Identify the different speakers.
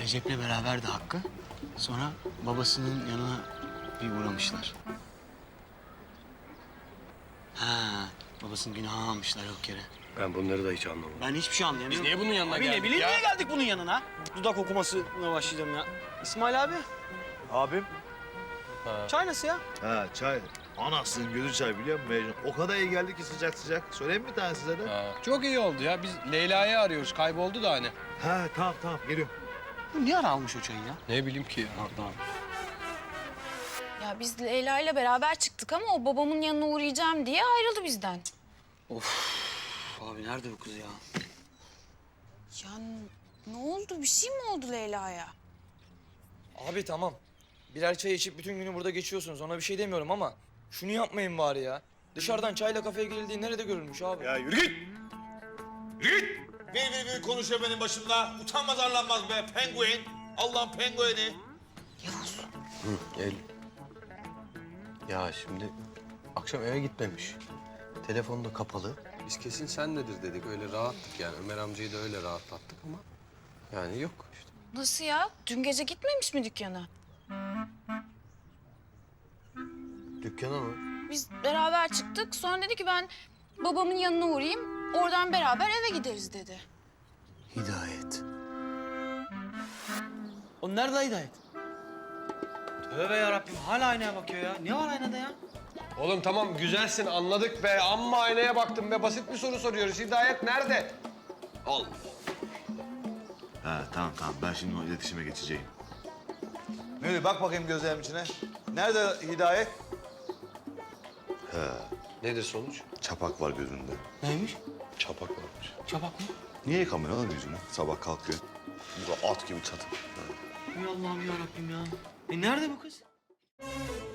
Speaker 1: Recep'le beraber de Hakkı. Sonra babasının yanına bir uğramışlar. Ha, babasının günahı almışlar yok yere.
Speaker 2: Ben bunları da hiç anlamadım.
Speaker 1: Ben hiçbir şey anlayamıyorum.
Speaker 2: Biz niye bunun yanına
Speaker 1: Abi
Speaker 2: geldik
Speaker 1: ne bileyim
Speaker 2: ya?
Speaker 1: niye geldik bunun yanına? Dudak okumasına başlayacağım ya. İsmail abi,
Speaker 3: Abim.
Speaker 1: çay nasıl ya?
Speaker 3: Ha çay. Anasının gözü çay biliyor musun Mecnun? O kadar iyi geldi ki sıcak sıcak. Söyleyeyim mi bir tane size de?
Speaker 2: Ha, çok iyi oldu ya. Biz Leyla'yı arıyoruz. Kayboldu da hani.
Speaker 3: Ha tamam geliyorum.
Speaker 1: Bu niye ara almış o çayı ya?
Speaker 2: Ne bileyim ki ya.
Speaker 4: Ya biz Leyla ile beraber çıktık ama o babamın yanına uğrayacağım diye ayrıldı bizden.
Speaker 1: Abi nerede bu kız ya?
Speaker 4: Ya ne oldu? Bir şey mi oldu Leyla'ya?
Speaker 5: Abi tamam. Birer çay içip bütün günü burada geçiyorsunuz. Ona bir şey demiyorum ama şunu yapmayın bari ya. Dışarıdan çayla kafeye girildiği nerede görülmüş abi?
Speaker 6: Ya yürü git! Yürü git! Bir konuşuyor benim başımda. Utanmaz arlanmaz be penguen. Allah'ın pengueni.
Speaker 2: El. Ya şimdi akşam eve gitmemiş. Telefonu da kapalı. Biz kesin senledir dedik. Öyle rahattık yani. Ömer amcayı da öyle rahatlattık ama yani yok işte.
Speaker 4: Nasıl ya? Dün gece gitmemiş mi dükkana?
Speaker 2: Dükkana mı?
Speaker 4: Biz beraber çıktık. Sonra dedi ki ben babamın yanına uğrayayım. Oradan beraber eve gideriz dedi.
Speaker 1: Hidayet.
Speaker 7: O nerede Hidayet? Tövbe yarabbim hala aynaya bakıyor ya. Ne var aynada ya?
Speaker 2: Oğlum tamam güzelsin anladık be. Amma aynaya baktım be. Basit bir soru soruyoruz. Hidayet nerede? Allah.
Speaker 3: Ha tamam ben şimdi o iletişime geçeceğim.
Speaker 6: Müdür bak bakayım gözlerimin içine. Nerede Hidayet?
Speaker 2: Nedir sonuç?
Speaker 3: Çapak var gözünde.
Speaker 1: Neymiş?
Speaker 2: Çapak varmış.
Speaker 1: Çabuk mu?
Speaker 3: Niye yıkamıyor lan yüzünü? Sabah kalkıyor. Burada at gibi çatı.
Speaker 7: Ey Allah'ım yarabbim ya. Nerede bu kız?